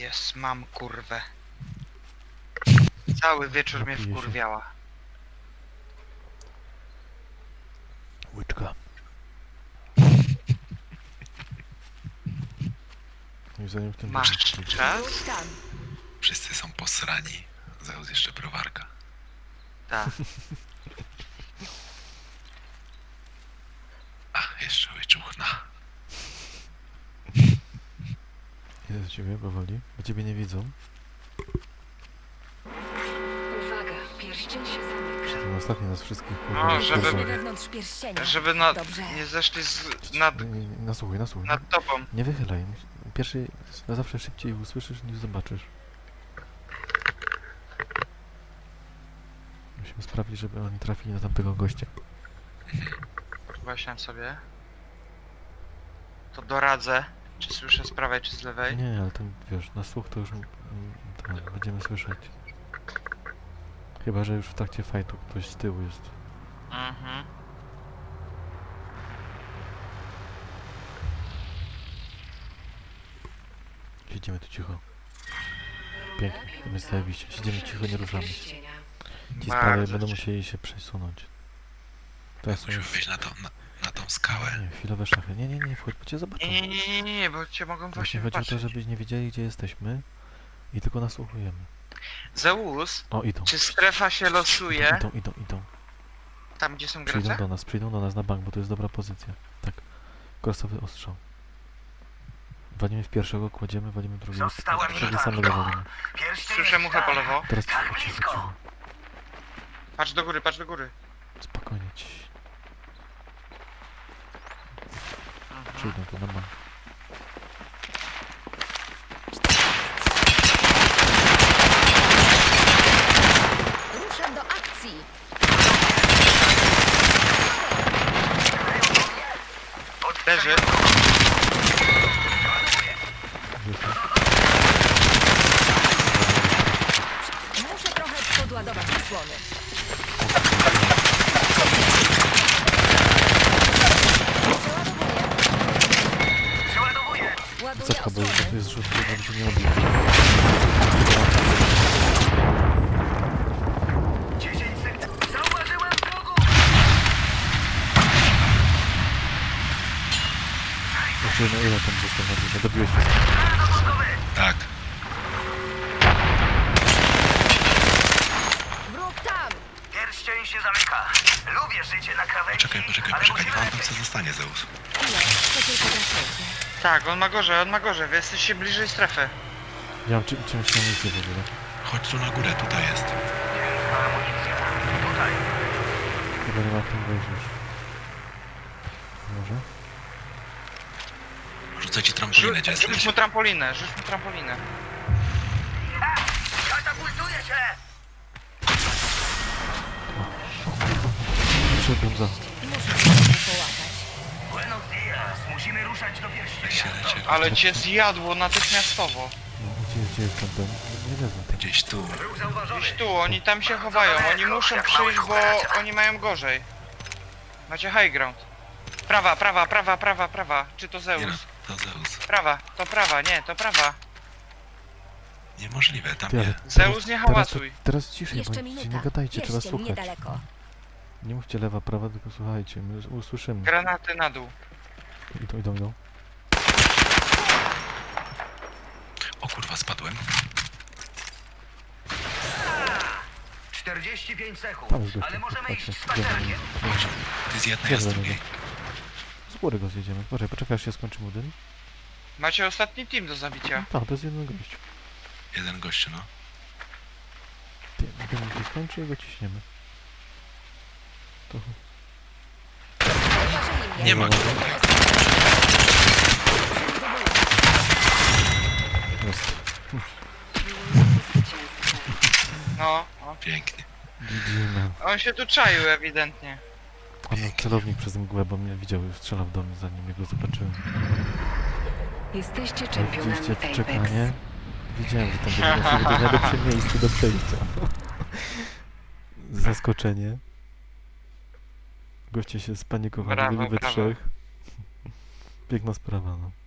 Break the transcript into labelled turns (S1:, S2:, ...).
S1: Jest, mam kurwę. Cały wieczór mnie
S2: Napiję się.
S1: wkurwiała.
S2: Łyczka. I zanim w tym
S1: Masz
S2: wypadku-
S1: czas?
S3: Wróć tam.
S4: Wszyscy są posrani. Zeus jeszcze browarka.
S1: Tak.
S4: A, jeszcze łyczuchna.
S2: Idę do ciebie powoli, bo ciebie nie widzą.
S3: Uwaga, pierścień się zamyka.
S2: Ten ostatni nas wszystkich kurwa.
S1: No,
S2: rozpoznał.
S1: żeby-
S3: Jesteśmy wewnątrz pierścienia.
S1: Żeby
S3: Dobrze.
S1: nie zeszli
S2: Nasłuchuj.
S1: nad tobą.
S2: Nie wychylaj. Pierwszy, na zawsze szybciej usłyszysz niż zobaczysz. Musimy sprawić, żeby oni trafili na tamtego gościa.
S1: Właśnie sobie. To doradzę. Czy słyszę z prawej, czy z lewej?
S2: Nie, ale ten, wiesz, na słuch to już będziemy słyszeć. Chyba, że już w trakcie fajtu ktoś z tyłu jest.
S1: Mhm.
S2: Siedzimy tu cicho. Pięknie, my zajebiście. Siedzimy cicho, nie ruszamy się. Ci z prawej
S1: Bardzo
S2: będą
S1: ci-
S2: musieli się przesunąć. Teraz są
S4: Musimy
S2: już...
S4: wyjść na tą skałę.
S2: Nie, chwilowe szachy. Nie, wchodź, bo cię zobaczą.
S1: Nie, bo cię mogą
S2: Właśnie
S1: właśnie
S2: chodzi o to,
S1: wypatrzeć.
S2: żebyś nie wiedzieli, gdzie jesteśmy i tylko nasłuchujemy.
S1: Zeus,
S2: O, idą.
S1: czy strefa się losuje
S2: Idą.
S1: tam, gdzie są
S2: Przyjdą
S1: gracze?
S2: do nas na bank, bo to jest dobra pozycja. Tak. Krosowy ostrzał. Walimy w pierwszego, kładziemy, walimy drugiego.
S5: Zostałem
S2: Tego
S5: dodany.
S2: samego walimy.
S5: Pierścień
S1: Słyszę
S5: jest
S1: muchę po
S5: tam.
S1: lewo.
S2: Teraz
S5: Tak
S2: cicho,
S5: blisko.
S2: cicho.
S1: Patrz do góry, patrz do góry.
S2: Spokojnie ci.
S1: Mhm.
S2: Przyjdą tu na bank.
S3: Ruszam do akcji.
S1: Leży.
S2: Wiecie?
S3: Muszę trochę podładować osłony.
S5: Przeładowuję.
S3: Ładuję
S2: Cepka, bo
S3: osłony.
S2: to jest rzut, żeby się nie odbił.
S5: 10 sekund. Zauważyłem wrogu.
S2: Jeszcze na ile tam został na górze? Dobiłeś wszystko.
S5: Dowódcowy.
S4: Tak.
S3: Wróg tam.
S5: Pierścień się zamyka. Lubię życie na krawędzi.
S4: Poczekaj,
S5: ale
S4: niech
S5: musimy
S4: on tam
S5: lepiej.
S4: co zostanie, Zeus.
S3: Chwilę, to tylko zaczęcie.
S1: Tak, on ma gorzej, wy jesteście bliżej strefy.
S2: Ja mam czymś na misję w ogóle.
S4: Chodź tu na górę, tutaj jest.
S5: Ciężka amunicja. Tutaj.
S2: Chyba nie ma tam wejść już. Może?
S4: Rzucę ci trampolinę, gdzie
S1: Rzuć
S4: jesteś.
S1: mu trampolinę, rzuć mu trampolinę.
S5: Katapultuję się.
S2: Przebiłem za.
S3: Muszę się trochę połapać.
S5: Buenos dias. Musimy ruszać do pierścienia.
S4: Lecie.
S1: Ale cię zjadło natychmiastowo.
S2: No, gdzie jest ten? Nie wezmę tego.
S4: Gdzieś tu.
S5: Ruch zauważony.
S1: Gdzieś tu, oni tam się chowają, oni muszą przyjść, bo oni mają gorzej. Macie high ground. Prawa. Czy to
S4: Nie no,
S1: Zeus?
S4: to Zeus.
S1: Prawa, to prawa, nie, to prawa.
S4: Niemożliwe, tam
S2: Ty, ale
S4: nie.
S1: Zeus, nie hałacuj.
S2: Teraz ciszej, bo
S3: Jeszcze
S2: się
S3: minuta.
S2: nie gadajcie, trzeba
S3: Pierścień
S2: słuchać.
S3: niedaleko.
S2: Nie mówcie lewa, prawa, tylko słuchajcie, my usłyszymy.
S1: Granaty na dół.
S2: Idą.
S4: O kurwa, spadłem.
S5: 45 sekund.
S2: Tam jest gościu,
S5: Ale możemy
S2: patrzcie.
S5: iść spacerkiem.
S4: Ty z jednej, a z
S2: Dobra,
S4: drugiej.
S2: Z góry go zjedziemy. Poczekaj, aż się skończy budynek.
S1: Macie ostatni team do zabicia.
S2: Tak, to jest jeden gość.
S4: Jeden gościu, no.
S2: Budynek się skończy i go ciśniemy. To...
S3: Zauważyli mnie.
S4: Nie ma go.
S2: Jest.
S1: No,
S4: Pięknie.
S2: GG, man.
S1: on się tu czaił ewidentnie.
S2: On miał celownik przez mgłę, bo mnie widział i strzelał do mnie, zanim jego zobaczyłem.
S6: Jesteście
S2: Ale
S6: czempionami
S2: widzieliście to
S6: Apex.
S2: czekanie? Wiedziałem, że tam będzie to najlepsze miejsce do przejścia. Zaskoczenie. Goście się spanikowali,
S1: Brawo,
S2: byli we
S1: brawo.
S2: trzech. Piękna sprawa, no.